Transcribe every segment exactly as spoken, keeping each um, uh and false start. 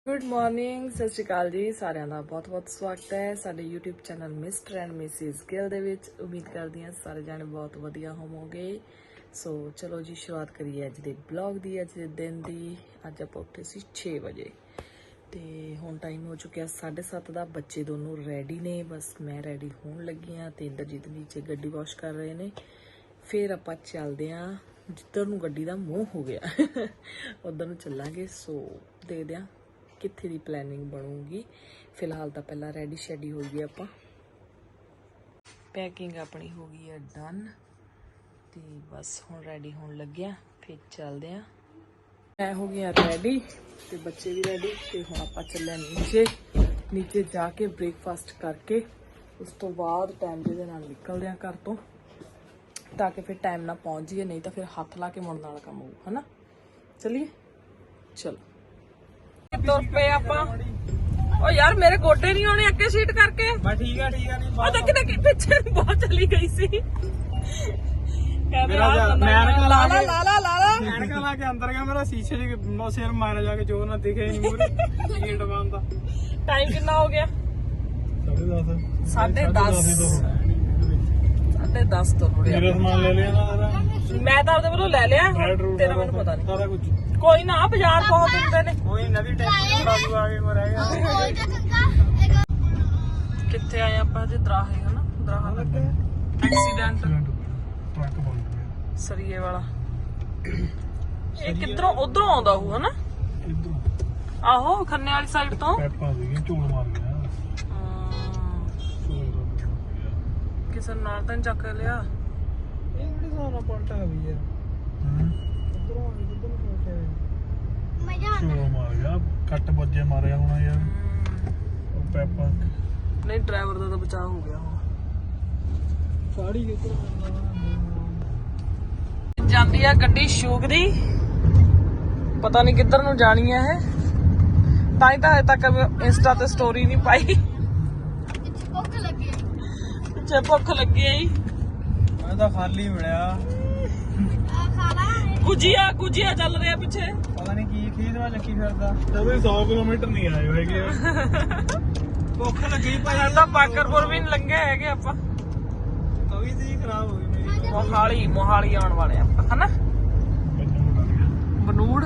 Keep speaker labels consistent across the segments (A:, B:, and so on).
A: Good morning, ਸਤਿ ਸ਼੍ਰੀ ਅਕਾਲ ਜੀ ਸਾਰਿਆਂ ਦਾ ਬਹੁਤ ਬਹੁਤ ਸਵਾਗਤ ਹੈ ਸਾਡੇ YouTube channel mister and missus Gill ਦੇ ਵਿੱਚ। ਉਮੀਦ ਕਰਦੀ ਹਾਂ ਸਾਰੇ ਜਾਣੇ ਬਹੁਤ ਵਧੀਆ ਹੋਵੋਗੇ। ਸੋ ਚਲੋ ਜੀ ਸ਼ੁਰੂਆਤ ਕਰੀਏ ਅੱਜ ਦੇ ਬਲੌਗ ਦੀ, ਅੱਜ ਦੇ ਦਿਨ ਦੀ। ਅੱਜ ਆਪਾਂ ਉੱਠੇ ਸੀ ਛੇ ਵਜੇ ਤੇ ਹੁਣ ਟਾਈਮ ਹੋ ਚੁੱਕਿਆ ਸਾਢੇ ਸੱਤ ਦਾ। ਬੱਚੇ ਦੋਨੋਂ ਰੈਡੀ ਨੇ, ਬਸ ਮੈਂ ਰੈਡੀ ਹੋਣ ਲੱਗੀ ਹਾਂ ਤੇ ਇੰਦਰਜੀਤ ਨੀਚੇ ਗੱਡੀ ਵਾਸ਼ ਕਰ ਰਹੇ ਨੇ। ਫਿਰ ਆਪਾਂ ਚੱਲਦੇ ਹਾਂ ਜਿੱਧਰ ਨੂੰ ਗੱਡੀ ਦਾ ਮੂੰਹ ਹੋ ਗਿਆ ਉਧਰ ਨੂੰ ਚੱਲਾਂਗੇ। ਸੋ ਦੇਖਦੇ ਹਾਂ ਕਿੱਥੇ ਦੀ ਪਲੈਨਿੰਗ ਬਣੂਗੀ। ਫਿਲਹਾਲ ਤਾਂ ਪਹਿਲਾਂ ਰੈਡੀ ਸ਼ੈਡੀ ਹੋ ਗਈ, ਆਪਾਂ ਪੈਕਿੰਗ ਆਪਣੀ ਹੋ ਗਈ ਹੈ ਡਨ ਤੇ ਬਸ ਹੁਣ ਰੈਡੀ ਹੋਣ ਲੱਗਿਆ, ਫਿਰ ਚੱਲਦੇ ਆ। ਮੈਂ ਹੋ ਗਈ ਰੈਡੀ ਤੇ ਬੱਚੇ ਵੀ ਰੈਡੀ ਤੇ ਹੁਣ ਆਪਾਂ ਚੱਲੇ ਨੀਚੇ। ਨੀਚੇ ਜਾ ਕੇ ਬ੍ਰੇਕਫਾਸਟ ਕਰਕੇ ਉਸ ਤੋਂ ਬਾਅਦ ਟਾਈਮ ਦੇ ਨਾਲ ਨਿਕਲਦੇ ਆ ਘਰ ਤੋਂ, ਤਾਂ ਕਿ ਫਿਰ ਟਾਈਮ ਨਾਲ ਪਹੁੰਚ ਜਾਈਏ, ਨਹੀਂ ਤਾਂ ਫਿਰ ਹੱਥ ਲਾ ਕੇ ਮੁੜਨ ਵਾਲਾ ਕੰਮ ਹੋਊ, ਹਨਾ। ਚਲਿਏ ਚਲੋ ਤੁਰ ਪਏ ਆਪਾਂ। ਓ ਯਾਰ ਮੇਰੇ ਗੋਡੇ ਨਹੀਂ ਆਉਣੇ ਅੱਗੇ ਸੀਟ ਕਰਕੇ।
B: ਬਸ ਠੀਕ ਆ ਠੀਕ ਆ ਨਹੀਂ
A: ਉਹ ਤਾਂ ਕਿਤੇ ਪਿੱਛੇ ਬਹੁਤ ਚਲੀ ਗਈ ਸੀ। ਕਹਿੰਦੇ ਆ ਲਾ ਲਾ ਲਾ ਲਾ ਲਾ ਲਾ
B: ਐਨਕਾਂ ਲਾ ਕੇ ਅੰਦਰ ਗਿਆ, ਮੇਰਾ ਸ਼ੀਸ਼ੇ 'ਚ ਸਿਰ ਮਾਰਿਆ ਜਾ ਕੇ, ਜੋ ਨਾ ਦਿਖੇ ਨਹੀਂ ਮੂਰੇ ਗੇਟ ਬੰਦ ਦਾ।
A: ਟਾਈਮ ਕਿੰਨਾ ਹੋ ਗਿਆ? ਸਾਢੇ ਦਸ ਸਾਢੇ ਦਸ ਤੋਂ ਥੋੜੇ
B: ਮੇਰਾ ਸਮਾਨ ਲੈ ਲਿਆ ਨਾ।
A: ਮੈਂ ਤਾਂ ਆਪਦੇ ਵੱਲੋਂ ਲੈ ਲਿਆ, ਤੇਰਾ ਮੈਨੂੰ ਪਤਾ ਨਹੀਂ।
B: ਸਾਰਾ ਕੁਝ
A: ਕੋਈ ਨਾ, ਬਾਜ਼ਾਰ ਪਹੁੰਚ ਦਿੰਦੇ ਨੇ।
B: ਕੋਈ ਨਵੀਂ ਟੈਕਸੀ ਬਾਜੂ ਆ ਕੇ ਮੈਂ ਰਹਿ ਗਿਆ।
A: ਕਿੱਥੇ ਆਏ ਆਪਾਂ? ਜੇ ਦਰਾਹੇ, ਹਨਾ ਦਰਾਹਾ ਲੱਗੇ ਐਕਸੀਡੈਂਟ
B: ਟਰੱਕ ਬੰਦ ਗਿਆ
A: ਸਰੀਏ ਵਾਲਾ। ਇਹ ਕਿੱਧਰੋਂ ਉਧਰੋਂ ਆਉਂਦਾ ਹੋਊ, ਹਨਾ।
B: ਇਧਰ
A: ਆਹੋ ਖੰਨੇ ਵਾਲੀ ਸਾਈਡ ਤੋਂ
B: ਪੈਪਾਂ ਸੀਗੀਆਂ, ਝੂਲ ਮਾਰ ਗਿਆ।
A: ਕਿਸੇ ਨੂੰ ਨਾਲ ਤਾਂ ਨੀ ਚੱਕ ਲਿਆ।
B: ਇਹ ਕਿਹੜੀ ਸਾਰਾ ਪਲਟਾ ਵੀ ਯਾਰ। ਉਧਰੋਂ ਆ ਕੇ ਉਧਰ ਨੂੰ ਪਲਟਿਆ ਮਜ਼ਾ ਝੂਲ ਮਾਰ ਗਿਆ, ਕੱਟ ਵੱਜੇ ਮਾਰਿਆ ਹੋਣਾ ਯਾਰ ਉਹ ਪੈਪਾਂ।
A: ਨਹੀਂ ਡਰਾਈਵਰ ਦਾ ਤਾਂ ਬਚਾਅ ਹੋ ਗਿਆ ਹੁਣ।
B: ਸਾੜੀ ਕਿੱਧਰ
A: ਜਾਂਦੀ ਆ ਗੱਡੀ ਸ਼ੂਕ ਦੀ, ਪਤਾ ਨਹੀਂ ਕਿੱਧਰ ਨੂੰ ਜਾਣੀ ਹੈ ਇਹ। ਤਾਂ ਹੀ ਤਾਂ ਹਜੇ ਤੱਕ ਇੰਸਟਾ ਤੇ ਸਟੋਰੀ ਨਹੀਂ ਪਾਈ।
C: ਭੁੱਖ ਲੱਗੀ
A: ਪਿੱਛੇ ਭੁੱਖ ਲੱਗੀ ਆਈ।
B: ਮੈਂ ਤਾਂ ਖਾਲੀ ਮਿਲਿਆ।
C: ਆ ਖਾਣਾ
A: ਗੁਜੀਆ ਗੁਜੀਆ ਚੱਲ ਰਿਹਾ ਪਿੱਛੇ,
B: ਪਤਾ ਨਹੀਂ ਕੀ ਖੀਦਵਾ ਲੱਗੀ ਫਿਰਦਾ। ਤਵੇ ਸੌ ਕਿਲੋਮੀਟਰ ਨਹੀਂ ਆਏ ਹੈਗੇ। ਭੁੱਖ ਲੱਗੀ ਭਾਈ।
A: ਤਾਂ ਬਾਕਰਪੁਰ ਵੀ ਨਹੀਂ ਲੰਘੇ ਹੈਗੇ ਆਪਾਂ।
B: ਤਵੀ ਸੀ ਖਰਾਬ ਹੋ ਗਈ ਮੇਰੀ।
A: ਮੋਹਾਲੀ ਮੋਹਾਲੀ ਆਉਣ ਵਾਲੇ ਆਪਾਂ, ਹਨਾ। ਬਨੂੜ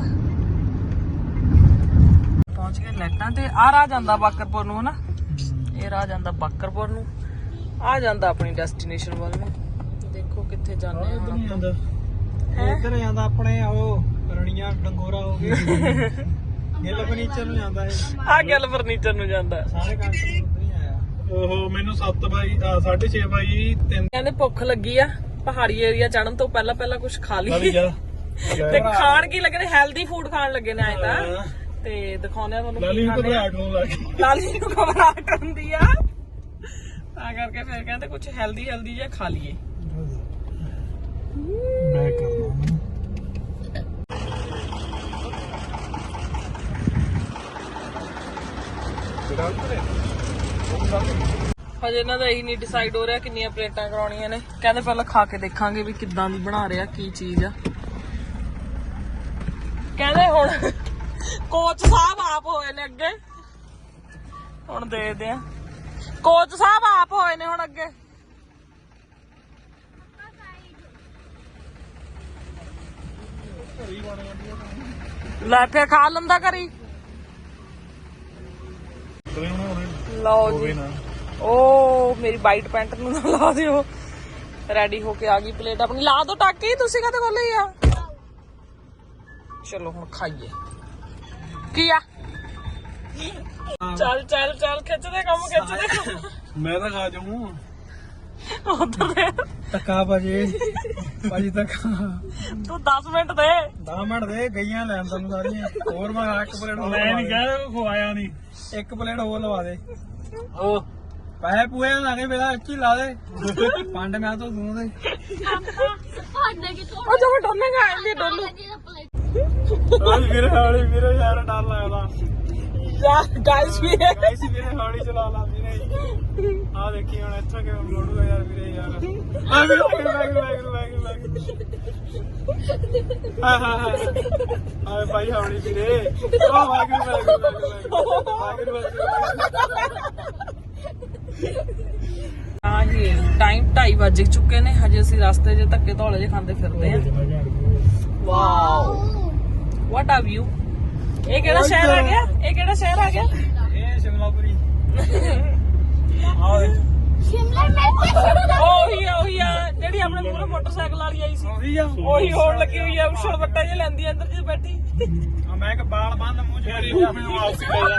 A: ਪਹੁੰਚ ਗਏ ਲਾਈਟਾਂ ਤੇ। ਆਹ ਰਾਹ ਜਾਂਦਾ ਬਾਕਰਪੁਰ ਨੂੰ, ਹਨਾ। ਇਹ ਰਾਹ ਜਾਂਦਾ ਬਾਕਰਪੁਰ ਨੂੰ, ਆ ਜਾਂਦਾ ਆਪਣੀ ਡੈਸਟੀਨੇਸ਼ਨ ਵੱਲ ਨੂੰ। ਦੇਖੋ ਕਿੱਥੇ ਜਾਂਦੇ ਆ ਹੁਣ ਆਪਾਂ।
B: ਇੱਧਰ ਜਾਂਦਾ ਆਪਣੇ ਉਹ ਰਣੀਆਂ ਡੰਗੋਰਾ ਹੋ ਗਏ। ਗਿੱਲ ਫਰਨੀਚਰ ਨੂੰ ਜਾਂਦਾ ਇਹ।
A: ਆ ਗੱਲ ਫਰਨੀਚਰ ਨੂੰ ਜਾਂਦਾ।
B: ਸਾਰੇ ਕੰਟਰ ਉੱਧਰ ਹੀ ਆਇਆ। ਓਹੋ ਮੈਨੂੰ ਸੱਤ ਬਾਈ ਸਾਢੇ ਛੇ ਬਾਈ ਤਿੰਨ
A: ਕਹਿੰਦੇ ਭੁੱਖ ਲੱਗੀ ਆ, ਪਹਾੜੀ ਏਰੀਆ ਚੜਨ ਤੋਂ ਪਹਿਲਾਂ ਪਹਿਲਾਂ ਕੁਝ ਖਾ ਲਈ।
B: ਜਾ
A: ਤੇ ਖਾਣ ਕੀ ਲੱਗੇ ਨੇ? ਹੈਲਦੀ ਫੂਡ ਖਾਣ ਲੱਗੇ ਨੇ ਆਏ ਤਾਂ। ਤੇ ਦਿਖਾਉਂਦੇ ਆ ਤੁਹਾਨੂੰ
B: ਲਾਲੀ
A: ਕੀ
B: ਨੂੰ
A: ਖਾਂਦੇ ਆ।
B: ਘਬਰਾਹਟ ਹੋਣ ਲੱਗ
A: ਲਾਲੀ ਨੂੰ ਘਬਰਾਹਟ ਹੁੰਦੀ ਆ, ਤਾਂ ਕਰਕੇ ਫਿਰ ਕਹਿੰਦੇ ਕੁਝ ਹੈਲਦੀ ਹੈਲਦੀ ਜਿਹਾ ਖਾ ਲਈਏ।
B: ਮੈਂ ਕਰਦਾ
A: ਹਜੇ ਇਹਨਾਂ ਦਾ ਇਹੀ ਨਹੀਂ ਡਿਸਾਈਡ ਹੋ ਰਿਹਾ ਕਿੰਨੀਆਂ ਪਲੇਟਾਂ ਕਰਾਉਣੀਆਂ ਨੇ। ਕਹਿੰਦੇ ਪਹਿਲਾਂ ਖਾ ਕੇ ਦੇਖਾਂਗੇ ਵੀ ਕਿੱਦਾਂ ਦੀ ਬਣਾ ਰਿਹਾ, ਕੀ ਚੀਜ਼ ਆ। ਕਹਿੰਦੇ ਹੁਣ ਕੋਚ ਸਾਹਿਬ ਆਪ ਹੋਏ ਨੇ ਅੱਗੇ, ਹੁਣ ਦੇਖਦੇ ਆ। ਕੋਚ ਸਾਹਿਬ ਆਪ ਹੋਏ ਨੇ ਹੁਣ ਅੱਗੇ। ਲੈ ਫੇਰ ਖਾ ਲੈਂਦਾ ਕਰੀ। ਲਓ ਜੀ, ਉਹ ਮੇਰੀ ਵਾਈਟ ਪੈਂਟ ਨੂੰ ਨਾ ਲਾ ਦਿਓ। ਰੈਡੀ ਹੋ ਕੇ ਆ ਗਈ ਪਲੇਟ ਆਪਣੀ। ਲਾ ਦੋ ਟਾਕੀ, ਤੁਸੀਂ ਕਦੇ ਖੋਲੀ ਆ? ਚਲੋ ਹੁਣ ਖਾਈਏ। ਕੀ ਆ? ਚੱਲ ਚੱਲ ਚੱਲ ਖਿੱਚਦੇ ਕੰਮ, ਖਿੱਚਦੇ ਕੰਮ।
B: ਮੈਂ ਤਾਂ ਖਾ ਜਾਊਂ
A: ਉਧਰ ਦੇ
B: ਟੱਕਾ ਭਾਜੀ। ਭਾਜੀ ਟੱਕਾ
A: ਤੂੰ ਦਸ ਮਿੰਟ ਦੇ।
B: ਦਸ ਮਿੰਟ ਦੇ ਗਈਆਂ ਲੈਣ ਤੈਨੂੰ ਸਾਰੀਆਂ। ਹੋਰ ਮੈਂ ਇੱਕ ਪਲੇਟ ਹੋਰ ਮੈਂ ਨਹੀਂ ਕਹਿ ਖਵਾਇਆ ਨਹੀਂ। ਇੱਕ ਪਲੇਟ ਹੋਰ ਲਵਾ ਦੇ। ਉਹ ਪੈਸੇ ਪੂਏ ਲਾ ਕੇ ਮੇਰਾ ਇੱਥੇ ਲਾ ਦੇ। ਪੰਡ ਮੈਂ ਤੋਂ ਦੂੰ ਦੇ।
C: ਭਾਂਡੇ ਕਿਤੋਂ
A: ਉਹ ਜਮਾ ਡੋਲੇਗਾ, ਆਂਦੀ ਡੋਲੂ।
C: ਲੱਗੀ ਦਾ ਪਲੇਟ
B: ਵੀਰੇ ਹਾਲੀ ਵੀਰੇ ਯਾਰ ਡਰ ਲੱਗਦਾ।
A: ਗਾਇਸ ਵੀ
B: ਗਾਇਸ ਵੀਰੇ ਹੌਲੀ ਚਲਾ ਲਾ ਵੀਰੇ ਆ ਦੇਖੀ ਹੁਣ ਇੱਥੋਂ ਕਿਵੇਂ ਮੋੜੂਗਾ ਯਾਰ ਵੀਰੇ ਯਾਰ ਆ ਵੀਰੇ ਵਾਹਿਗੁਰੂ ਵਾਹਿਗੁਰੂ ਵਾਹਿਗੁਰੂ ਵਾਹਿਗੁਰੂ ਹਾਂ ਹਾਂ ਹਾਂ ਆਏ ਭਾਈ ਹੌਲੀ ਵੀਰੇ ਓ ਵਾਹਿਗੁਰੂ ਵਾਹਿਗੁਰੂ ਵਾਹਿਗੁਰੂ
A: ਹਾਂ ਜੀ ਟਾਈਮ ਢਾਈ ਵੱਜ ਚੁੱਕੇ ਨੇ ਹਜੇ ਅਸੀਂ ਰਸਤੇ 'ਚ ਧੱਕੇ ਧੌਲੇ ਜਿਹੇ ਖਾਂਦੇ ਫਿਰਦੇ ਆ ਵਾਓ ਵਾਟ ਆ ਵਿਊ ਇਹ ਕਿਹੜਾ ਸ਼ਹਿਰ ਆ ਗਿਆ ਇਹ ਕਿਹੜਾ ਸ਼ਹਿਰ ਆ ਗਿਆ
B: ਇਹ ਸ਼ਿਮਲਾਪੁਰੀ ਆਹ
C: शिमला मिर्च
A: ਉਹੀ ਆ ਉਹੀ ਆ ਜਿਹੜੀ ਆਪਣੇ ਮੂਹਰੇ ਮੋਟਰਸਾਈਕਲ ਵਾਲੀ ਆਈ ਸੀ
B: ਉਹੀ ਆ
A: ਉਹੀ ਹੋਣ ਲੱਗੀ ਹੋਈ ਆ ਉਛਲ ਵੱਟਾ ਜਿਹਾ ਲੈਂਦੀ ਆ ਅੰਦਰ ਜੀ ਬੈਠੀ
B: ਆ ਮੈਂ ਇੱਕ ਬਾਲ ਬੰਨ ਮੂੰਹ ਚ ਕਰੀ ਜਾ ਮੈਨੂੰ ਵਾਪਸ ਲੈ ਜਾ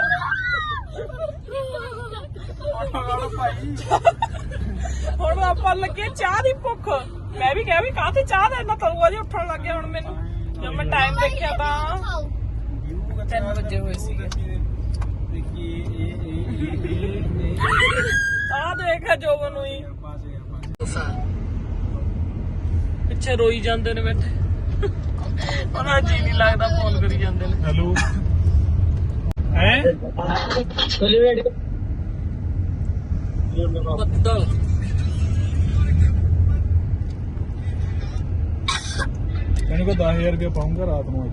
B: ਆਟੋ ਵਾਲਾ ਭਾਈ
A: ਹੁਣ ਆਪਾਂ ਲੱਗੇ ਚਾਹ ਦੀ ਭੁੱਖ ਮੈਂ ਵੀ ਕਿਹਾ ਵੀ ਕਾਹਤੇ ਚਾਹ ਦਾ ਇੰਨਾ ਤਲੂਆ ਜੀ ਉੱਠਣ ਲੱਗ ਗਿਆ ਹੁਣ ਮੈਨੂੰ ਜਦ ਮੈਂ ਟਾਈਮ ਦੇਖਿਆ ਤਾਂ ਤਿੰਨ ਵਜੇ ਹੋਏ ਸੀਗੇ
B: ਦੇਖੀ ਇਹ ਇਹ ਇਹ
A: ਆਹ ਦੇਖਿਆ ਜੋਬਨ ਨੂੰ ਹੀ
B: ਪਾਸ ਗਿਆ
A: ਪਿੱਛੇ ਰੋਈ ਜਾਂਦੇ ਨੇ ਬੈਠੇ ਉਹਨਾਂ ਜੀ ਨਹੀਂ ਲੱਗਦਾ ਫੋਨ ਕਰੀ ਜਾਂਦੇ ਨੇ
B: ਹੈਲੋ ਹੈ
A: ਬੱਦਲ
B: ਕਹਿੰਦੇ ਕੋ ਦਸ ਹਜ਼ਾਰ ਰੁਪਏ ਪਾਉਂਗਾ ਰਾਤ ਨੂੰ ਅੱਜ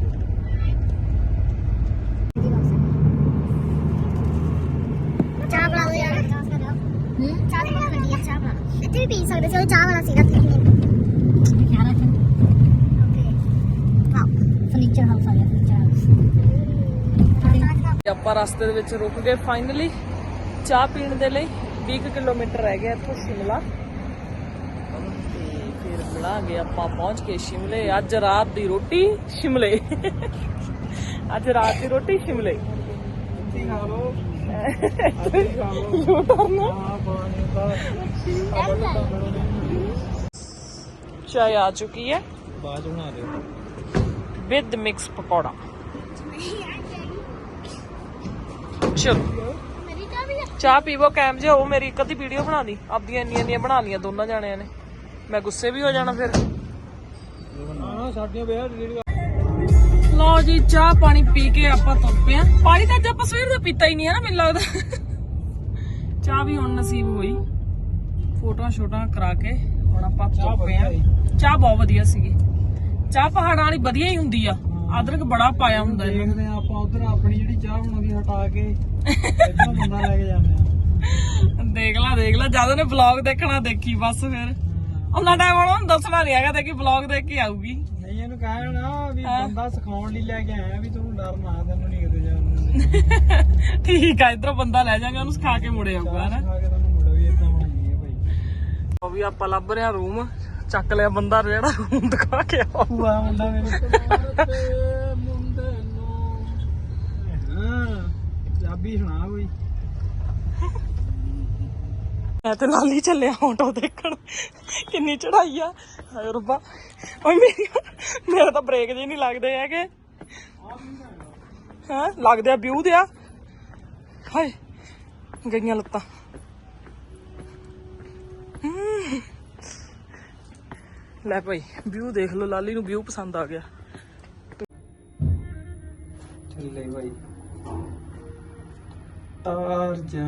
C: चाह बना दो यार हम्म चाह बना कर दिया चाह बना इतने भी पी सकते थे चाह वाला सीरप लिखने क्या रखा ओके वाओ फर्नीचर हाउस आ गया फर्नीचर हाउस
A: ਆਪਾਂ ਰਸਤੇ ਦੇ ਵਿੱਚ ਰੁਕ ਗਏ ਫਾਈਨਲੀ ਚਾਹ ਪੀਣ ਦੇ ਲਈ ਵੀਹ ਕਿਲੋਮੀਟਰ ਰਹਿ ਗਿਆ ਇੱਥੋਂ ਸ਼ਿਮਲਾ ਤੇ ਫਿਰ ਮਿਲਾਂਗੇ ਆਪਾਂ ਪਹੁੰਚ ਕੇ ਸ਼ਿਮਲੇ ਅੱਜ ਰਾਤ ਦੀ ਰੋਟੀ ਸ਼ਿਮਲੇ ਅੱਜ ਰਾਤ ਦੀ ਰੋਟੀ ਸ਼ਿਮਲੇ
B: ਕੀ ਖਾ ਲੋ
A: ਯੂਟਰਨ
B: ਹਾਂ ਪਾਣੀ ਦਾ
A: ਚਾय आ चुकी है
B: ਬਾਅਦ ਬਣਾ ਦਿਓ
A: विद मिक्स पकौड़ा चलो
C: मेरी चाह भी है
A: ਚਾਹ ਪੀਵੋ ਕੈਮ ਜੇ ਉਹ ਮੇਰੀ ਇੱਕ ਅੱਧੀ ਵੀਡੀਓ ਬਣਾ ਦੀ ਆਪਦੀਆਂ ਇੰਨੀਆਂ ਇੰਨੀਆਂ ਬਣਾ ਲੀਆਂ ਦੋਨਾਂ ਜਾਣਿਆਂ ਨੇ ਮੈਂ ਗੁੱਸੇ ਵੀ ਹੋ ਜਾਣਾ ਫਿਰ
B: ਹਾਂ ਸਾਡੀਆਂ ਵਿਆਹ ਜਿਹੜੀ
A: ਲਓ ਜੀ ਚਾਹ ਪਾਣੀ ਪੀ ਕੇ ਆਪਾਂ ਤੁਰ ਪਏ ਆਂ ਪਾਣੀ ਤਾਂ ਅੱਜ ਆਪਾਂ ਸਵੇਰ ਦਾ ਪੀਤਾ ਹੀ ਨਹੀਂ ਹੈ ਨਾ ਮੈਨੂੰ ਲੱਗਦਾ ਚਾਹ ਵੀ ਹੁਣ ਨਸੀਬ ਹੋਈ ਫੋਟੋਆਂ ਛੋਟਾਂ ਕਰਾ ਕੇ ਹੁਣ ਆਪਾਂ ਤੁਰ ਪਏ ਆਂ ਚਾਹ ਬਹੁਤ ਵਧੀਆ ਸੀਗੀ ਚਾਹ ਪਹਾੜਾਂ ਵਾਲੀ ਵਧੀਆ ਹੀ ਹੁੰਦੀ ਆ ਅਦਰਕ ਬੜਾ ਪਾਇਆ ਹੁੰਦਾ ਇਹਨੂੰ
B: ਦੇਖਦੇ ਆ ਆਪਾਂ ਉਧਰ ਆਪਣੀ ਜਿਹੜੀ ਚਾਹ ਬਣਾਉਂਦੀ ਹਟਾ ਕੇ ਇੱਧਰੋਂ ਬੰਦਾ ਲੈ ਕੇ ਜਾਂਦੇ ਆ
A: ਦੇਖ ਲੈ ਦੇਖ ਲੈ ਜਦ ਉਹਨੇ ਵਲੌਗ ਦੇਖਣਾ ਦੇਖੀ ਬਸ ਫਿਰ ਉਹਨਾਂ ਟਾਈਮ ਉਹਨੂੰ ਦੱਸਣਾ ਨਹੀਂ ਹੈਗਾ ਤੇ ਕਿ ਵਲੌਗ ਦੇਖ ਕੇ ਆਊਗੀ
B: ਨਹੀਂ ਇਹਨੂੰ ਕਹਿਣਾ ਵੀ ਬੰਦਾ ਸਿਖਾਉਣ ਲਈ ਲੈ ਕੇ ਆਇਆ ਵੀ ਤੂੰ ਡਰ ਨਾ ਤੈਨੂੰ ਨਹੀਂ ਕਿਤੇ ਜਾਣ ਦਿੰਦੇ
A: ਠੀਕ ਆ ਇਧਰੋਂ ਬੰਦਾ ਲੈ ਜਾਗਾ ਉਹਨੂੰ ਸਿਖਾ ਕੇ ਮੁੜੇ ਆਊਗਾ ਹਨਾ
B: ਸਿਖਾ ਕੇ ਤੁਹਾਨੂੰ ਮੁੰਡਾ ਵੀ ਇਦਾਂ ਬਣਾਈ ਹੈ ਭਾਈ
A: ਉਹ ਵੀ ਆਪਾਂ ਲੱਭ ਰਿਹਾ ਰੂਮ ਚੱਕ ਲਿਆ ਬੰਦਾ ਜਿਹੜਾ ਰੂਮ ਦਿਖਾ ਕੇ ਆਉ
B: ਭੂਆ ਮੁੰਡਾ ਮੇਰੇ ਮੁੰਡੇ ਨੂੰ ਹਾਂ ਪੰਜਾਬੀ ਸੁਣਾ ਕੋਈ
A: ਮੈਂ ਤੇ ਲਾਲੀ ਚੱਲਿਆ ਆਟੋ ਦੇਖਣ ਕਿੰਨੀ ਚੜਾਈ ਆ ਹਾਏ ਰੱਬਾ ਓਏ ਮੇਰੀ ਮੇਰੇ ਤਾਂ ਬ੍ਰੇਕ ਜੇ ਨਹੀਂ ਲੱਗਦੇ ਹੈਗੇ ਹਾਂ ਲੱਗਦੇ ਆ ਵਿਊ ਦੇ ਆ ਹਾਏ ਗਈਆਂ ਲੱਤਾਂ ਹਮ। ਲੈ ਭਾਈ ਵਿਊ ਦੇਖ ਲਓ ਲਾਲੀ ਨੂੰ ਵਿਊ ਪਸੰਦ ਆ ਗਿਆ
B: ਚੱਲੇ ਭਾਈ ਤਾਰ ਜਾ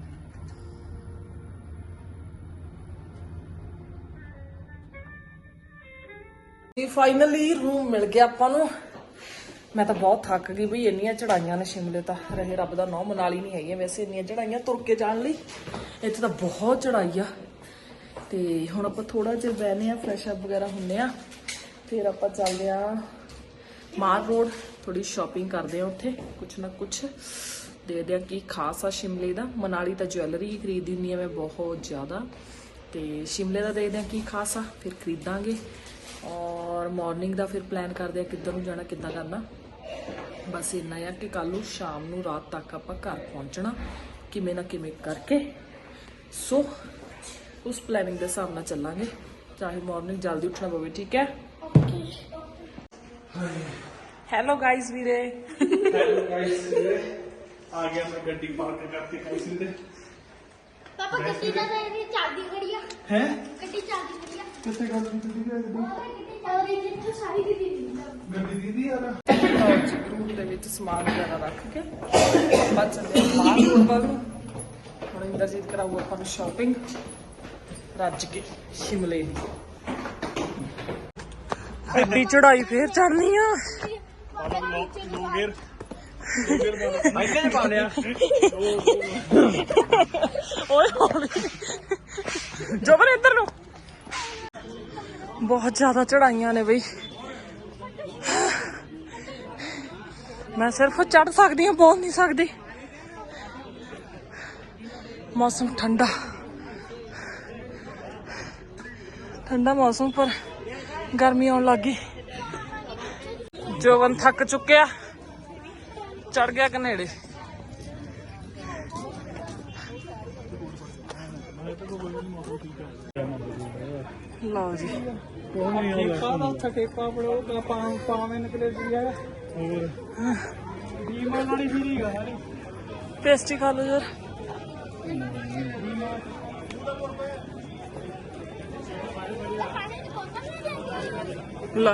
A: ਫਾਈਨਲੀ ਰੂਮ ਮਿਲ ਗਿਆ ਆਪਾਂ ਨੂੰ ਮੈਂ ਤਾਂ ਬਹੁਤ ਥੱਕ ਗਈ ਬਈ ਇੰਨੀਆਂ ਚੜਾਈਆਂ ਨੇ ਸ਼ਿਮਲੇ ਤਾਂ ਰਹੇ ਰੱਬ ਦਾ ਨਾਂ ਮਨਾਲੀ ਨਹੀਂ ਹੈਗੀਆਂ ਵੈਸੇ ਇੰਨੀਆਂ ਚੜਾਈਆਂ ਤੁਰ ਕੇ ਜਾਣ ਲਈ ਇੱਥੇ ਤਾਂ ਬਹੁਤ ਚੜਾਈ ਆ ਤੇ ਹੁਣ ਆਪਾਂ ਥੋੜਾ ਜਿਹਾ ਬਹਿਨੇ ਆ ਫਰੈਸ਼ ਅਪ ਵਗੈਰਾ ਹੁੰਨੇ ਆ ਫਿਰ ਆਪਾਂ ਚੱਲਦੇ ਆ ਮਾਰ ਰੋਡ ਥੋੜੀ ਸ਼ਾਪਿੰਗ ਕਰਦੇ ਆ ਉੱਥੇ ਕੁਛ ਨਾ ਕੁਛ ਦੇਖਦੇ ਆ ਕੀ ਖਾਸ ਆ ਸ਼ਿਮਲੇ ਦਾ ਮਨਾਲੀ ਤਾਂ ਜੁਐਲਰੀ ਖਰੀਦੀ ਹੁੰਦੀ ਆ ਮੈਂ ਬਹੁਤ ਜ਼ਿਆਦਾ ਤੇ ਸ਼ਿਮਲੇ ਦਾ ਦੇਖਦੇ ਆ ਕੀ ਖਾਸ ਆ ਫਿਰ ਖਰੀਦਾਂਗੇ ਔਰ ਮਾਰਨਿੰਗ ਦਾ ਫਿਰ ਪਲਾਨ ਕਰਦੇ ਆ ਕਿੱਧਰ ਨੂੰ ਜਾਣਾ ਕਿੱਦਾਂ ਕਰਨਾ ਬਸ ਇੰਨਾ ਆ ਕਿ ਕੱਲ ਨੂੰ ਸ਼ਾਮ ਨੂੰ ਰਾਤ ਤੱਕ ਆਪਾਂ ਘਰ ਪਹੁੰਚਣਾ ਕਿਵੇਂ ਨਾ ਕਿਵੇਂ ਕਰਕੇ ਸੋ ਉਸ ਪਲੈਨਿੰਗ ਦੇ ਹਿਸਾਬ ਨਾਲ ਚੱਲਾਂਗੇ ਚਾਹੇ ਮਾਰਨਿੰਗ ਜਲਦੀ ਉੱਠਣਾ ਪਵੇ ਠੀਕ ਹੈ ਹੈਲੋ ਗਾਇਸ ਵੀਰੇ
B: ਹੈਲੋ ਗਾਇਸ ਆ ਗਿਆ ਮੈਂ ਗੱਡੀ ਪਾਰਕ ਕਰਕੇ ਗਾਇਸ ਵੀਰੇ
C: पापा गड्डी का तो चाबी खड़ी है
B: ਹੈ
C: गड्डी चाबी खड़ी है
B: ਕਿੱਥੇ ਗੱਲ ਕੀਤੀ ਦੀ ਗੱਡੀ
C: और ये तो सारी दी दी
B: ਗੱਡੀ ਦੀਦੀ ਯਾਰ
A: ਲਓ ਜੀ ਗਰੂਪ ਦੇ ਵਿੱਚ ਸਮਾਨ ਵਗੈਰਾ ਰੱਖ ਕੇ ਆਪਾਂ ਚੱਲੇ ਬਾਹਰ ਰੋਡ ਵੱਲ ਨੂੰ। ਹੁਣ ਇੰਦਰਜੀਤ ਕਰਾਊ ਆਪਾਂ ਨੂੰ ਸ਼ਾਪਿੰਗ ਰੱਜ ਕੇ ਸ਼ਿਮਲੇ ਦੀ। ਐਡੀ ਚੜਾਈ ਫੇਰ ਚੜਨੀ ਆ।
B: ਪਹਿਲੇ ਨੇ ਪਾ ਲਿਆ
A: ਓਏ ਹੌਲੀ ਜੋਬਨ ਇੱਧਰ ਨੂੰ। ਬਹੁਤ ਜ਼ਿਆਦਾ ਚੜਾਈਆਂ ਨੇ ਬਈ। ਮੈਂ ਸਿਰਫ ਚੜ ਸਕਦੀ ਹਾਂ, ਬੋਲ ਨਹੀਂ ਸਕਦੀ। ਮੌਸਮ ਠੰਡਾ ਠੰਡਾ ਮੌਸਮ, ਪਰ ਗਰਮੀ ਆਉਣ ਲੱਗ ਗਈ। ਜੋਬਨ ਥੱਕ ਚੁੱਕਿਆ, ਚੜ ਗਿਆ ਕਨੇੜੇ। ਲਓ ਜੀ
B: ਠੇਕਾ ਦਾ ਉੱਥੇ ਠੇਕਾ ਪੜੋ ਪਾਵੇਂ ਨਿਕਲੇ ਦੀ ਹੈ। ਹੋਰ ਡੀਮਾਲ ਵਾਲੀ ਵੀ ਗਾ ਸਾਰੀ
A: ਪੇਸਟੀ ਖਾ ਲਓ ਯਾਰ। ਲਾ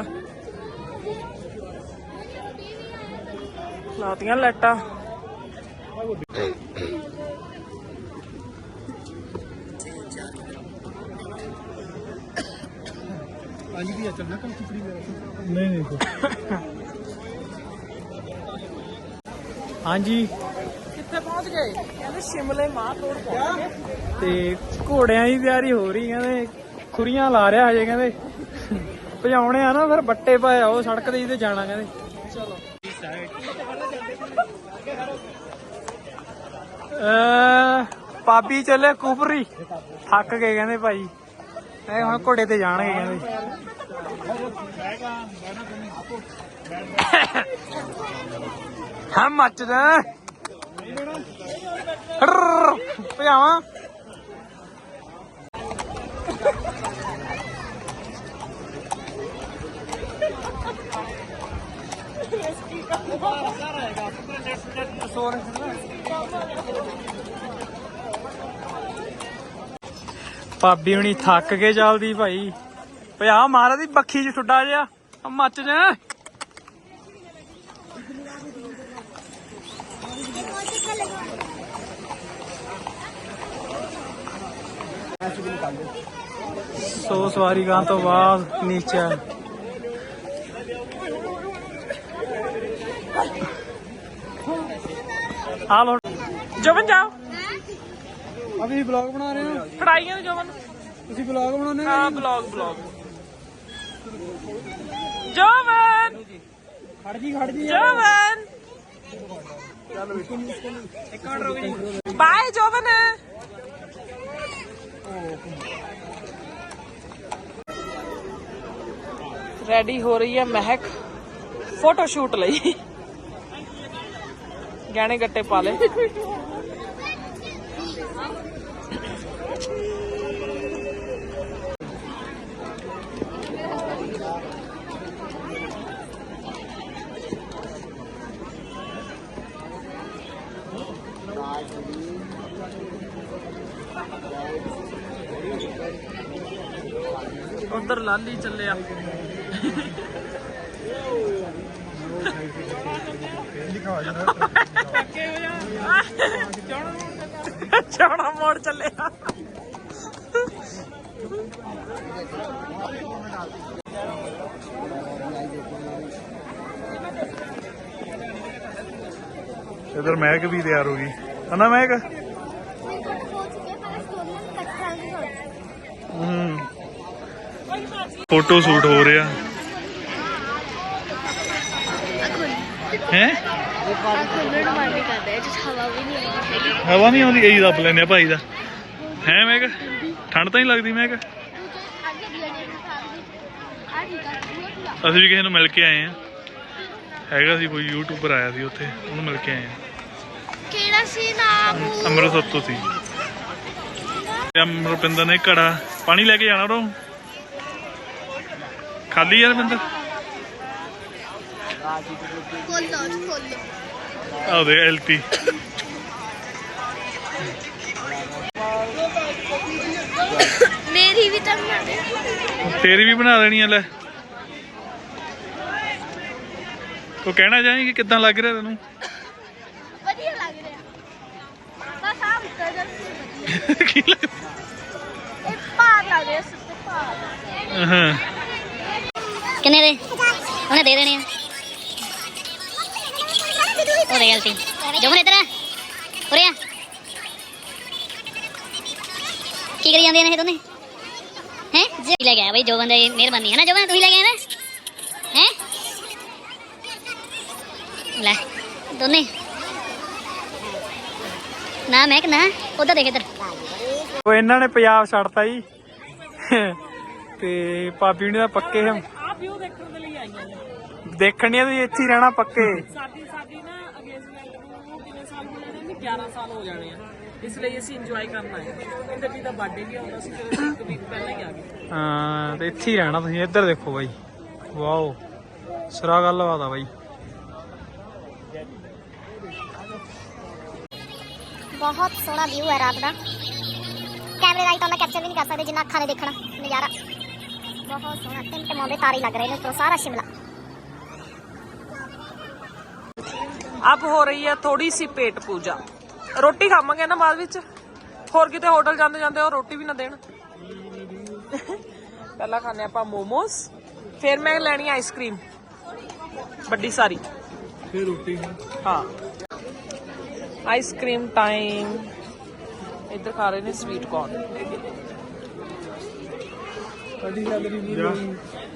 A: ਲਾਤੀਆਂ ਲਾਈਟਾਂ।
B: ਅੱਜ ਵੀ ਚੱਲਣਾ ਕੱਲ ਖਿਚੜੀ ਨਹੀਂ ਨਹੀਂ ਹਾਂਜੀ
A: ਕਿੱਥੇ ਪਹੁੰਚ ਗਏ? ਕਹਿੰਦੇ ਸ਼ਿਮਲੇ ਮਾਹ ਰੋਡ ਪਹੁੰਚ ਗਏ।
B: ਤੇ ਘੋੜਿਆਂ ਦੀ ਤਿਆਰੀ ਹੋ ਰਹੀ, ਕਹਿੰਦੇ ਖੁਰੀਆਂ ਲਾ ਰਿਹਾ ਹਜੇ, ਕਹਿੰਦੇ ਭਜਾਉਣੇ ਆ ਨਾ, ਫਿਰ ਬੱਟੇ ਪਾਏ ਆ ਉਹ ਸੜਕ ਤੇ ਤੇ ਜਾਣਾ ਕਹਿੰਦੇ।
A: ਚਲੋ
B: ਪਾਪੀ ਚੱਲੇ ਕੁਫਰੀ, ਥੱਕ ਗਏ ਕਹਿੰਦੇ ਭਾਈ, ਇਹ ਹੁਣ ਘੋੜੇ ਤੇ ਜਾਣਗੇ ਕਹਿੰਦੇ। ਹਾਂ ਮੱਚਦਾ ਭਜਾਵਾਂ। ਭਾਬੀ ਹੁਣੀ ਥੱਕ ਕੇ ਚੱਲਦੀ ਭਾਈ, ਭਜਾ ਮਾਰਾ ਦੀ ਬੱਖੀ ਚ ਠੁੱਡਾ ਜਿਹਾ ਮੱਚ ਜਾ। ਸੋ ਸਵਾਰੀ ਗਾਂ ਤੋਂ ਬਾਅਦ ਨੀਚੇ ਆ ਲੋ।
A: ਜੋਬਨ ਜਾਓ,
B: ਅਭੀ ਵਲੌਗ ਬਣਾ ਰਹੇ ਹੋ।
A: ਫੜਾਈਆਂ ਜੋਬਨ।
B: ਤੁਸੀਂ ਵਲੌਗ ਬਣਾਉਣੇ
A: ਹਾਂ ਬਲੌਗ ਬਲੌਗ। ਜੋਬਨ
B: ਖੜ ਜੀ ਖੜ ਜੀ
A: ਜੋਬਨ
B: ਇੱਕ ਮਿੰਟ ਰੁਕ ਜੀ।
A: ਬਾਏ ਜੋਬਨ। ਰੈਡੀ ਹੋ ਰਹੀ ਹੈ ਮਹਿਕ ਫੋਟੋ ਸ਼ੂਟ ਲਈ। ਗਹਿਣੇ ਗੱਟੇ ਪਾ ਲੈ। ਉਧਰ ਲਾਲੀ ਚੱਲਿਆ। ਚੌੜਾ ਮੋੜ ਚੱਲਿਆ।
D: इधर महक भी तैयार होगी है ना महक। फोटो शूट हो रहा है। हवा नहीं आती यही दब लेने भाई का है महक। ठंड तो नहीं लगती महक। ਅਸੀਂ ਵੀ ਕਿਸੇ ਨੂੰ ਮਿਲ ਕੇ ਆਏ ਆ। ਹੈਗਾ ਸੀ ਕੋਈ ਯੂਟਿਊਬਰ ਆਇਆ ਸੀ ਉੱਥੇ, ਉਹਨੂੰ ਮਿਲ ਕੇ ਆਏ ਆ।
C: ਕਿਹੜਾ ਸੀ ਨਾਮ?
D: ਅੰਮ੍ਰਿਤਸਰ ਤੋਂ ਸੀ। ਰੁਪਿੰਦਰ ਨੇ ਘੜਾ ਪਾਣੀ ਲੈ ਕੇ ਜਾਣਾ ਉਹ ਖਾਲੀ ਯਾਰ ਰੁਪਿੰਦਰ।
C: ਖੋਲੋ ਖੋਲੋ।
D: ਆਹ ਦੇ ਐਲਟੀ
C: ਮੇਰੀ ਵੀ ਤਾਂ ਬਣਾ ਦੇ।
D: ਤੇਰੀ ਵੀ ਬਣਾ ਦੇਣੀ ਆ ਲੈ। ਉਹ ਕਹਿਣਾ ਚਾਹੇਂਗੀ ਕਿੱਦਾਂ ਲੱਗ ਰਿਹਾ ਤੈਨੂੰ?
C: ਵਧੀਆ ਲੱਗ ਰਿਹਾ ਬਸ ਆ ਉੱਤਰ ਜਾ
D: ਕੀ ਲੱਗ
C: ਇਹ ਭਾਰ ਲੱਗ ਰਿਹਾ ਸੁੱਤੇ ਭਾਰ
D: ਹਾਂ
C: ਕਿੰਨੇ ਦੇ ਉਹਨੇ ਦੇ ਦੇਣੇ ਆ ਉਹਦੇ ਗਲਤੀ ਜਮਨ ਇਧਰ ਉਰੇ ਆ ਕੀ ਕਰੀ ਜਾਂਦੇ ਨੇ ਇਹ ਦੋਨੇ ਹੈ ਜੀ ਲੈ ਗਿਆ ਬਈ ਜੋ ਬੰਦੇ ਮਿਹਰਬਾਨੀ ਹੈ ਨਾ ਜੋ ਬੰਦੇ ਤੁਸੀਂ ਲੈ ਗਏ ਨਾ ਹੈ ਲੈ ਦੋਨੇ ਨਾ ਮੈਂ ਕਿ ਨਾ ਉਧਰ ਦੇਖ ਇਧਰ
B: ਉਹ ਇਹਨਾਂ ਨੇ ਪੰਜਾਬ ਛੱਡਤਾ ਜੀ ਤੇ ਭਾਬੀ ਹੁਣੀ ਦਾ ਪੱਕੇ ਹਮ
A: ਆਪ ਵੀ ਉਹ ਦੇਖਣ ਦੇ ਲਈ ਆਈਆਂ ਨੇ
B: ਦੇਖਣੀਆਂ ਵੀ ਇੱਥੇ ਹੀ ਰਹਿਣਾ ਪੱਕੇ।
A: ਸਾਡੀ ਸਾਡੀ ਨਾ ਅੰਗੇਜਮੈਂਟ ਨੂੰ ਕਿੰਨੇ ਸਾਲ ਹੋ ਜਾਣੇ ਨੇ ਗਿਆਰਾਂ ਸਾਲ ਹੋ ਜਾਣੇ ਆ ਇਸ ਲਈ ਅਸੀਂ ਇੰਜੋਏ ਕਰਨ ਆਏ ਇੰਦਰ ਜੀ ਦਾ ਬਰਥਡੇ ਵੀ ਆਉਂਦਾ ਸੀ ਫਿਰ ਅਸੀਂ ਇੱਕ ਵੀਕ ਪਹਿਲਾਂ ਹੀ ਆ ਗਏ
B: ਹਾਂ ਤੇ ਇੱਥੇ ਹੀ ਰਹਿਣਾ ਤੁਸੀਂ। ਇੱਧਰ ਦੇਖੋ ਬਾਈ ਵਾਓ ਸਿਰਾ ਗੱਲਬਾਤ ਆ ਬਾਈ।
C: ਬਹੁਤ ਸੋਹਣਾ ਵਿਊ ਹੈ ਰਾਤ ਦਾ ਕੈਮਰੇ ਰਾਈਟ ਆਉਂਦਾ ਕੈਪਚਰ ਵੀ ਨਹੀਂ ਕਰ ਸਕਦੇ ਜਿੰਨਾ ਅੱਖਾਂ ਨੇ ਦੇਖਣਾ ਨਜ਼ਾਰਾ ਬਹੁਤ ਸੋਹਣਾ ਟਿਮਟਮਾਉਂਦੇ ਤਾਰੇ ਲੱਗ ਰਹੇ ਨੇ ਉੱਪਰੋਂ ਸਾਰਾ ਸ਼ਿਮਲਾ
A: अब हो रही है थोड़ी सी पेट पूजा रोटी खावांगे ना बाद विच होर किते होटल जांदे जांदे और रोटी भी ना देण पहला खाने आपां मोमोस फिर मैं लैनी आइसक्रीम बड़ी सारी
B: फिर रोटी
A: हाँ आइसक्रीम टाइम इधर खा रहे ने स्वीट कॉर्न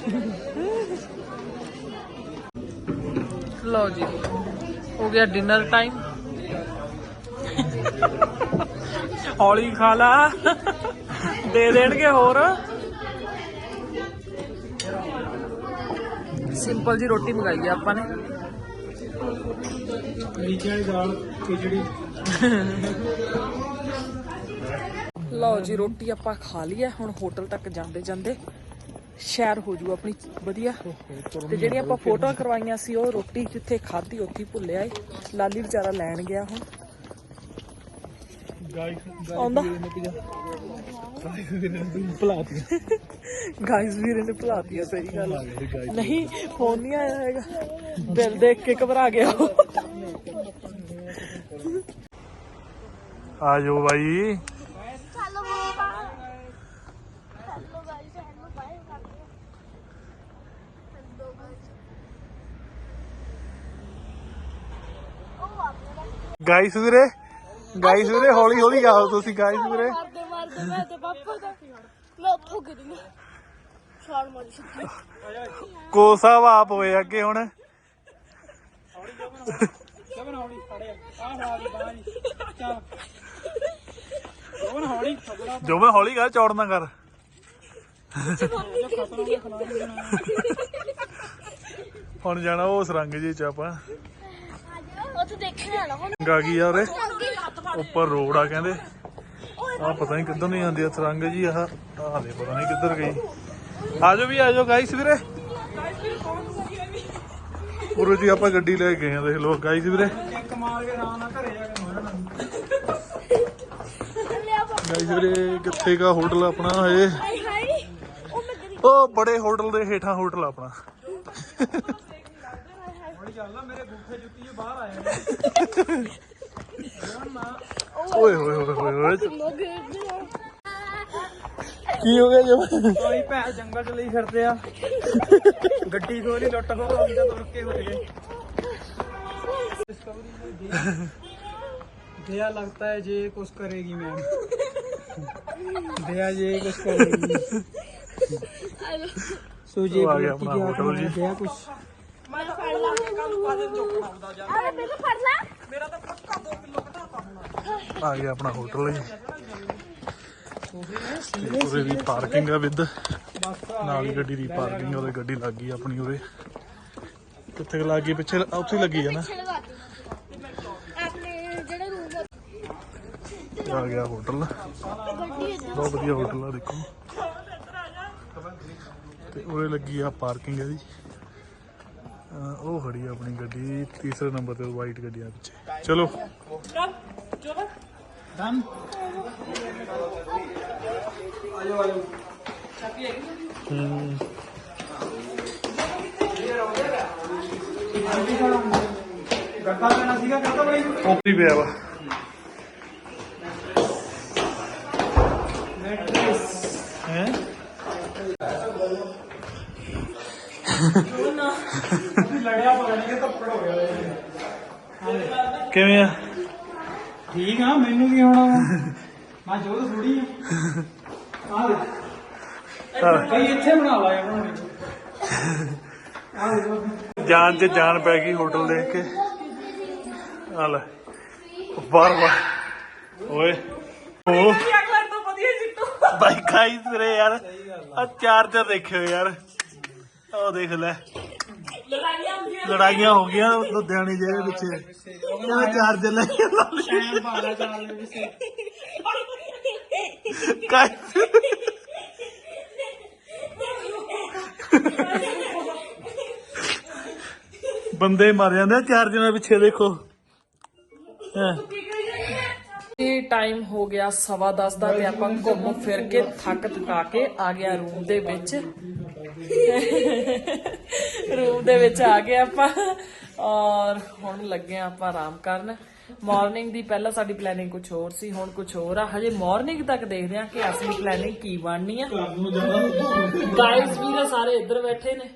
A: लो जी हो गया डिनर टाइम हौली खा ला दे देणगे होर सिंपल जी रोटी मंगाई है आपां ने
B: नीचे वाली दाल खिचड़ी
A: लो जी रोटी आपां खा ली है हुण होटल तक जांदे जांदे ਸ਼ਹਿਰ ਹੋ ਜੂ ਆਪਣੀ ਵਧੀਆ ਤੇ ਜਿਹੜੀਆਂ ਆਪਾਂ ਫੋਟੋਆਂ ਕਰਵਾਈਆਂ ਸੀ ਉਹ ਰੋਟੀ ਜਿੱਥੇ ਖਾਧੀ ਉੱਥੇ ਭੁੱਲਿਆ ਏ ਲਾਲੀ ਵਿਚਾਰਾ ਲੈਣ ਗਿਆ ਹੁਣ ਆਉਂਦਾ ਗਾਇਸ ਵੀਰੇ ਨੇ ਭੁਲਾਤੀ ਸਹੀ ਗੱਲ ਨਹੀਂ ਫੋਨ ਨਹੀਂ ਆਇਆ ਹੈਗਾ ਬਿੱਲ ਦੇਖ ਕੇ ਘਬਰਾ ਗਿਆ
D: ਆ ਜਾਓ ਬਾਈ ਗਾਇਸ ਵੀਰੇ ਗਾਇਸ ਵੀਰੇ ਹੌਲੀ ਹੌਲੀ ਆਓ ਤੁਸੀਂ ਗਾਇਸ ਵੀਰੇ
C: ਮਾਰਦੇ ਮਾਰਦੇ ਮੈਂ ਤੇ ਪਾਪਾ ਦਾ ਮੈਂ ਉੱਥੋਂ ਗਿਰੀ ਛਾਲ ਮਾਰੀ ਸਿੱਧੀ
D: ਕੋਸਾ ਵਾਪ ਹੋਏ ਅੱਗੇ ਹੁਣ
B: ਜਮਨ ਹੌਲੀ ਖੜੇ ਆ ਫੜਾ ਦੀ ਬਾਹਰ ਚੱਲ ਜਮਨ ਹੌਲੀ ਥੋੜਾ
D: ਜੋ ਮੈਂ ਹੌਲੀ ਕਰ ਚੌੜ ਨਾ ਕਰ ਹੁਣ ਜਾਣਾ ਉਹ ਸਰੰਗ ਜੀ ਚ ਆਪਾਂ
C: ਉੱਥੇ ਦੇਖਣ ਆਣਾ ਹੁਣ
D: ਗਾ ਗਈ ਆ ਉਰੇ ਉੱਪਰ ਰੋਡ ਆ ਕਹਿੰਦੇ ਆ ਪਤਾ ਨਹੀਂ ਕਿੱਧਰ ਨਹੀਂ ਆਉਂਦੀ ਆ ਸਰੰਗ ਜੀ ਆਹ ਆਹ ਦੇ ਪਤਾ ਨਹੀਂ ਕਿੱਧਰ ਗਈ ਆਜੋ ਵੀ ਆਜੋ ਗਾਇਸ ਵੀਰੇ ਪੂਰੇ ਜੀ ਆਪਾਂ ਗੱਡੀ ਲੈ ਕੇ ਗਏ ਆ ਦੇਖ ਲੋ ਗਾਇਸ ਵੀਰੇ
B: ਇੱਕ ਮਾਰ ਕੇ ਆਰਾਮ ਨਾਲ ਘਰੇ ਜਾ ਕੇ ਮੋੜਨਾ
D: ਗਾਇਸ ਵੀਰੇ ਕਿੱਥੇ ਕਾ ਹੋਟਲ ਆਪਣਾ ਇਹ
C: ਹਾਈ ਹਾਈ ਉਹ ਮੈਂ ਗਿਰੀ
D: ਉਹ ਬੜੇ ਹੋਟਲ ਦੇ ਹੇਠਾਂ ਹੋਟਲ ਆਪਣਾ
B: ਹੌਲੀ ਚੱਲ ਮੇਰੇ ਬੂਠੇ ਜੁੱਤੀ ਜੇ ਬਾਹਰ ਆਏ
D: ਓਏ ਹੋਏ ਹੋਏ ਹੋਏ ਹੋਏ ਕੀ ਹੋ ਗਿਆ ਜੋ
B: ਕੋਈ ਭੈ ਜੰਗਲ ਚ ਲਈ ਫਿਰਦੇ ਆ ਗੱਡੀ ਖੋਲੀ ਲੁੱਟ ਖੋ ਹੋ ਗਈ ਤਾਂ ਤੁਰ ਕੇ ਹੋ ਗਏ दया लगता है जे कुछ करेगी मैम दया जे कुछ करेगी सो जे
D: आ गया
B: बोलती
D: अपना
B: कि
D: होटल जी।
B: दया कुछ
C: ਅਰੇ ਮੈਨੂੰ ਫੜ ਲੈ
D: ਆ ਗਿਆ ਆਪਣਾ ਹੋਟਲ ਜੀ ਉਰੇ ਦੀ ਪਾਰਕਿੰਗ ਆ ਵਿਦ ਨਾਲ ਹੀ ਗੱਡੀ ਦੀ ਪਾਰਕਿੰਗ ਉਹਦੇ ਗੱਡੀ ਲੱਗ ਗਈ ਆਪਣੀ ਉਰੇ ਕਿੱਥੇ ਕੁ ਲੱਗ ਗਈ ਪਿੱਛੇ ਉੱਥੇ ਹੀ ਲੱਗੀ ਆ ਨਾ
C: ਆਪਣੇ ਜਿਹੜੇ ਰੂਮ
D: ਆ ਗਿਆ ਹੋਟਲ ਬਹੁਤ ਵਧੀਆ ਹੋਟਲ ਆ ਦੇਖੋ ਤੇ ਉਰੇ ਲੱਗੀ ਆ ਪਾਰਕਿੰਗ ਇਹਦੀ ਅਹ ਉਹ ਖੜੀ ਆ ਆਪਣੀ ਗੱਡੀ ਤੀਸਰੇ ਨੰਬਰ ਤੇ ਵਾਈਟ ਗੱਡੀ ਆ ਪਿੱਛੇ ਚਲੋ
B: डन आयो आयो
D: ਹਮ
B: ਗੱਤਾ ਲੈਣਾ ਸੀਗਾ ਗੱਤਾ ਬਈ
D: ਉੱਪਰ ਹੀ ਪਿਆ ਵਾ ਹੈ
B: ਲੜਿਆ ਪਤਾ ਨਹੀਂ ਕਿ ਧੱਪੜ ਹੋ ਗਿਆ
D: ਕਿਵੇਂ ਆ
B: ਠੀਕ ਆ ਮੈਨੂੰ ਕੀ ਹੋਣਾ ਮੈਂ ਜੋਤ ਥੋੜੀ ਆ ਆ ਦੇ ਕਈ ਇੱਥੇ ਬਣਾ ਲਾਇਆ ਬਣਾਉਣੇ ਆ ਦੇ
D: ਜਾਨ ਚ ਜਾਨ ਪੈ ਗਈ ਹੋਟਲ ਦੇਖ ਕੇ ਆ ਲੈ ਬਾਰ ਬਾਰ ਓਏ ਓ ਬਾਈ ਖਾਈ ਤੇਰੇ ਯਾਰ ਆ ਚਾਰਜਰ ਦੇਖਿਓ ਯਾਰ ਉਹ ਦੇਖ ਲੈ ਲੜਾਈਆਂ ਹੋ ਗਈਆਂ ਲੁਧਿਆਣੇ ਜਿਹੇ ਪਿੱਛੇ ਕਹਿੰਦਾ ਚਾਰਜਰ ਲੈ ਕੇ ਲਾ ਲਈ।
B: ਟਾਈਮ ਪਾਲਾ ਚਾਲ ਦੇ ਵਿੱਚ
D: ਕਾਈ ਬੰਦੇ ਮਰ ਜਾਂਦੇ ਆ ਚਾਰਜਰਾਂ ਪਿੱਛੇ ਦੇਖੋ ਹੈਂ।
A: ਇਹ ਟਾਈਮ ਹੋ ਗਿਆ ਸਵਾ ਦਸ ਦਾ ਤੇ ਆਪਾਂ ਘੁੰਮ ਫਿਰ ਕੇ ਥੱਕ ਥਕਾ ਕੇ ਆ ਗਿਆ ਰੂਮ ਦੇ ਵਿੱਚ ਰੂਮ ਦੇ ਵਿੱਚ ਆ ਗਏ ਆਪਾਂ ਔਰ ਹੁਣ ਲੱਗੇ ਆ ਆਪਾਂ ਆਰਾਮ ਕਰਨ ਮਾਰਨਿੰਗ ਦੀ ਪਹਿਲਾਂ ਸਾਡੀ ਪਲੈਨਿੰਗ ਕੁਝ ਹੋਰ ਸੀ ਹੁਣ ਕੁਝ ਹੋਰ ਆ ਹਜੇ ਮਾਰਨਿੰਗ ਤੱਕ ਦੇਖਦੇ ਆ ਕਿ ਅਸਲੀ ਪਲੈਨਿੰਗ ਕੀ ਬਣਨੀ ਆ ਗਾਇਜ਼ ਵੀ ਸਾਰੇ ਇੱਧਰ ਬੈਠੇ ਨੇ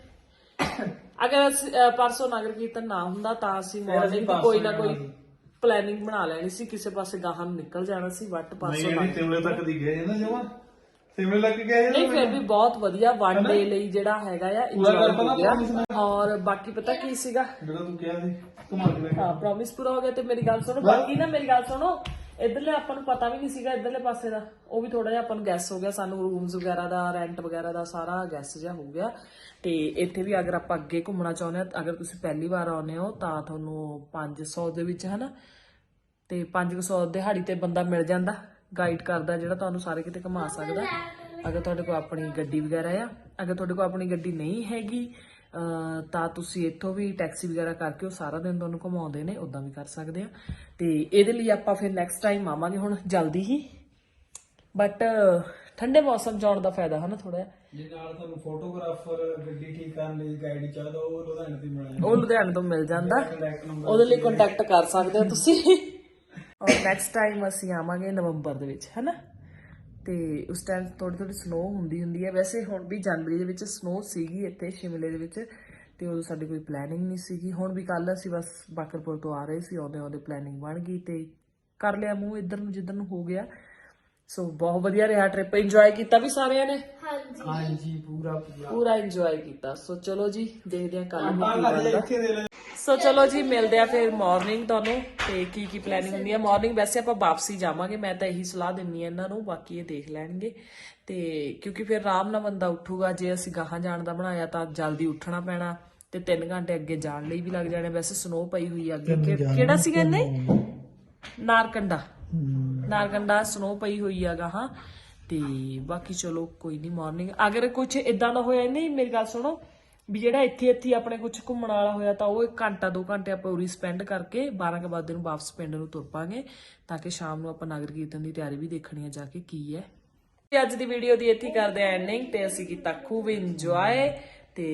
A: ਅਗਰ ਅਸੀਂ, ਅਹ, ਪਰਸੋਂ ਨਗਰ ਕੀਰਤਨ ਨਾ ਹੁੰਦਾ ਤਾਂ ਅਸੀਂ ਮਾਰਨਿੰਗ ਕੋਈ ਨਾ ਕੋਈ ਪਲੈਨਿੰਗ ਬਣਾ ਲੈਣੀ ਸੀ ਕਿਸੇ ਪਾਸੇ ਗਾਹਾਂ ਨੂੰ ਨਿਕਲ ਜਾਣਾ ਸੀ ਬੱਟ ਪਾਸੋਂ ਨਾ
D: ਸਿਮਲੇ ਤੱਕ ਦੀ ਗਏ ਨਾ ਜਮਾ ਸਿਮਲੇ ਲੱਗ ਗਏ
A: ਨਹੀਂ ਫਿਰ ਵੀ ਬਹੁਤ ਵਧੀਆ ਵਨ ਡੇ ਲਈ ਜਿਹੜਾ ਹੈਗਾ ਆ ਇੰਜੋਏ ਹੋ ਗਿਆ ਔਰ ਬਾਕੀ ਪਤਾ ਕੀ ਸੀਗਾ
D: ਜਿਹੜਾ ਤੂੰ ਕਿਹਾ ਸੀ ਘੁਮਾ ਕੇ
A: ਹਾਂ ਪ੍ਰੋਮਿਸ ਪੂਰਾ ਹੋ ਗਿਆ ਤੇ ਮੇਰੀ ਗੱਲ ਸੁਣੋ ਬਾਕੀ ਨਾ ਮੇਰੀ ਗੱਲ ਸੁਣੋ ਇਧਰਲੇ ਆਪਾਂ ਨੂੰ ਪਤਾ ਵੀ ਨਹੀਂ ਸੀਗਾ ਇਧਰਲੇ ਪਾਸੇ ਦਾ ਉਹ ਵੀ ਥੋੜਾ ਜਿਹਾ ਆਪਾਂ ਨੂੰ ਗੈਸ ਹੋ ਗਿਆ ਸਾਨੂੰ ਰੂਮਸ ਵਗੈਰਾ ਦਾ ਰੈਂਟ ਵਗੈਰਾ ਦਾ ਸਾਰਾ ਗੈਸ ਜਿਹਾ ਹੋ ਗਿਆ ਤੇ ਇੱਥੇ ਵੀ ਅਗਰ ਆਪਾਂ ਅੱਗੇ ਘੁੰਮਣਾ ਚਾਹੁੰਦੇ ਆ ਅਗਰ ਤੁਸੀਂ ਪਹਿਲੀ ਵਾਰ ਆਉਂਦੇ ਹੋ ਤਾਂ ਤੁਹਾਨੂੰ ਪੰਜ ਸੌ ਦੇ ਵਿੱਚ ਹਨਾ ਤੇ ਪੰਜ ਸੌ ਦਿਹਾੜੀ ਤੇ ਬੰਦਾ ਮਿਲ ਜਾਂਦਾ ਗਾਈਡ ਕਰਦਾ ਜਿਹੜਾ ਤੁਹਾਨੂੰ ਸਾਰੇ ਕਿਤੇ ਘੁਮਾ ਸਕਦਾ ਅਗਰ ਤੁਹਾਡੇ ਕੋਲ ਆਪਣੀ ਗੱਡੀ ਵਗੈਰਾ ਆ ਅਗਰ ਤੁਹਾਡੇ ਕੋਲ ਆਪਣੀ ਗੱਡੀ ਨਹੀਂ ਹੈਗੀ ਤਾਂ ਤੁਸੀਂ ਇੱਥੋਂ ਵੀ ਟੈਕਸੀ ਵਗੈਰਾ ਕਰਕੇ ਉਹ ਸਾਰਾ ਦਿਨ ਤੁਹਾਨੂੰ ਘੁਮਾਉਂਦੇ ਨੇ ਉਦਾਂ ਵੀ ਕਰ ਸਕਦੇ ਆ ਤੇ ਇਹਦੇ ਲਈ ਆਪਾਂ ਫਿਰ ਨੈਕਸਟ ਟਾਈਮ ਆਵਾਂਗੇ ਹੁਣ ਜਲਦੀ ਹੀ ਬਟ ਠੰਡੇ ਮੌਸਮ ਜਾਣ ਦਾ ਫਾਇਦਾ ਹੈ ਨਾ ਥੋੜਾ ਜਿਹਾ
B: ਜੇ ਨਾਲ ਤੁਹਾਨੂੰ ਫੋਟੋਗ੍ਰਾਫਰ ਗੱਡੀ ਠੀਕ ਕਰਨ ਲਈ ਗਾਈਡ ਚਾਹਦਾ ਉਹ ਲੁਧਿਆਣੇ ਤੋਂ ਮਿਲ
A: ਉਹ ਲੁਧਿਆਣੇ ਤੋਂ ਮਿਲ ਜਾਂਦਾ ਉਹਦੇ ਲਈ ਕੰਟੈਕਟ ਕਰ ਸਕਦੇ ਹੋ ਤੁਸੀਂ ਔਰ ਨੈਕਸਟ ਟਾਈਮ ਅਸੀਂ ਆਵਾਂਗੇ ਨਵੰਬਰ ਦੇ ਵਿੱਚ ਹੈਨਾ ਤੇ ਉਸ ਟਾਈਮ ਥੋੜੀ ਥੋੜੀ ਸਨੋ ਹੁੰਦੀ ਹੁੰਦੀ ਹੈ ਵੈਸੇ ਹੁਣ ਵੀ ਜਨਵਰੀ ਦੇ ਵਿੱਚ ਸਨੋ ਸੀਗੀ ਇੱਥੇ ਸ਼ਿਮਲੇ ਦੇ ਵਿੱਚ ਤੇ ਉਦੋਂ ਸਾਡੀ ਕੋਈ ਪਲੈਨਿੰਗ ਨਹੀਂ ਸੀਗੀ ਹੁਣ ਵੀ ਕੱਲ ਅਸੀਂ ਬਸ ਬਾਕਰਪੁਰ ਤੋਂ ਆ ਰਹੇ ਸੀ ਆਉਂਦੇ ਆਉਂਦੇ ਪਲੈਨਿੰਗ ਬਣ ਗਈ ਤੇ ਕਰ ਲਿਆ ਮੂੰਹ ਇੱਧਰ ਨੂੰ ਜਿੱਧਰ ਨੂੰ ਹੋ ਗਿਆ ਸੋ ਬਹੁਤ ਵਧੀਆ ਰਿਹਾ ਟ੍ਰਿਪ ਇੰਜੋਏ ਕੀਤਾ ਵੀ ਸਾਰਿਆਂ ਨੇ
B: ਹਾਂਜੀ ਪੂਰਾ ਪੂਰਾ
A: ਪੂਰਾ ਇੰਜੋਏ ਕੀਤਾ ਸੋ ਚਲੋ ਜੀ ਦੇਖਦੇ ਹਾਂ ਕੱਲ ਨੂੰ ਕੀ ਬਣਦਾ ਸੋ ਚਲੋ ਜੀ ਮਿਲਦੇ ਆ ਫਿਰ ਮਾਰਨਿੰਗ ਤੁਹਾਨੂੰ ਤੇ ਕੀ ਕੀ ਪਲੈਨਿੰਗ ਹੁੰਦੀ ਹੈ ਮਾਰਨਿੰਗ ਵੈਸੇ ਆਪਾਂ ਵਾਪਸੀ ਜਾਵਾਂਗੇ ਮੈਂ ਤਾਂ ਇਹੀ ਸਲਾਹ ਦਿੰਨੀ ਆ ਇਹਨਾਂ ਨੂੰ ਬਾਕੀ ਇਹ ਦੇਖ ਲੈਣਗੇ ਤੇ ਕਿਉਂਕਿ ਫਿਰ ਆਰਾਮ ਨਾਲ ਬੰਦਾ ਉੱਠੂਗਾ ਜੇ ਅਸੀਂ ਗਾਹਾਂ ਜਾਣ ਦਾ ਬਣਾਇਆ ਤਾਂ ਜਲਦੀ ਉੱਠਣਾ ਪੈਣਾ ਤੇ ਤਿੰਨ ਘੰਟੇ ਅੱਗੇ ਜਾਣ ਲਈ ਵੀ ਲੱਗ ਜਾਣੇ ਵੈਸੇ ਸਨੋ ਪਈ ਹੋਈ ਆ ਅੱਗੇ ਕਿਹੜਾ ਸੀਗਾ ਇਹਨੇ ਨਾਰਕੰਡਾ ਨਾਰਕੰਡਾ ਸਨੋ ਪਈ ਹੋਈ ਆ ਗਾਹਾਂ ਤੇ ਬਾਕੀ ਚਲੋ ਕੋਈ ਨਹੀਂ ਮਾਰਨਿੰਗ ਅਗਰ ਕੁਝ ਇਦਾਂ ਦਾ ਹੋਇਆ ਨਹੀਂ ਮੇਰੀ ਗੱਲ ਸੁਣੋ ਵੀ ਜਿਹੜਾ ਇੱਥੇ ਇੱਥੇ ਆਪਣੇ ਕੁਝ ਘੁੰਮਣ ਵਾਲਾ ਹੋਇਆ ਤਾਂ ਉਹ ਇੱਕ ਘੰਟਾ ਦੋ ਘੰਟੇ ਆਪਾਂ ਉਰੀ ਸਪੈਂਡ ਕਰਕੇ ਬਾਰਾਂ ਕੁ ਵਜੇ ਨੂੰ ਵਾਪਸ ਪਿੰਡ ਨੂੰ ਤੁਰ ਪਾਂਗੇ ਤਾਂ ਕਿ ਸ਼ਾਮ ਨੂੰ ਆਪਾਂ ਨਗਰ ਕੀਰਤਨ ਦੀ ਤਿਆਰੀ ਵੀ ਦੇਖਣੀ ਆ ਜਾ ਕੇ ਕੀ ਹੈ ਤੇ ਅੱਜ ਦੀ ਵੀਡੀਓ ਦੀ ਇੱਥੇ ਕਰਦੇ ਆ ਐਂਡਿੰਗ ਤੇ ਅਸੀਂ ਕੀਤਾ ਖੂਬ ਇੰਜੋਏ ਤੇ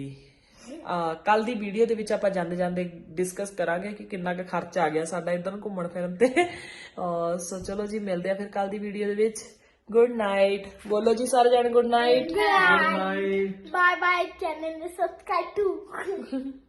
A: ਕੱਲ ਦੀ ਵੀਡੀਓ ਦੇ ਵਿੱਚ ਆਪਾਂ ਜਾਂਦੇ ਜਾਂਦੇ ਡਿਸਕਸ ਕਰਾਂਗੇ ਕਿ ਕਿੰਨਾ ਕੁ ਖਰਚ ਆ ਗਿਆ ਸਾਡਾ ਇਧਰ ਨੂੰ ਘੁੰਮਣ ਫਿਰਨ ਤੇ ਸੋ ਚਲੋ ਜੀ ਮਿਲਦੇ ਆ ਫਿਰ ਕੱਲ ਦੀ ਵੀਡੀਓ ਦੇ ਵਿੱਚ ਗੁੱਡ ਨਾਈਟ ਬੋਲੋ ਜੀ ਸਾਰੇ ਜਾਣੇ good night
B: good night
C: Bye bye channel subscribe to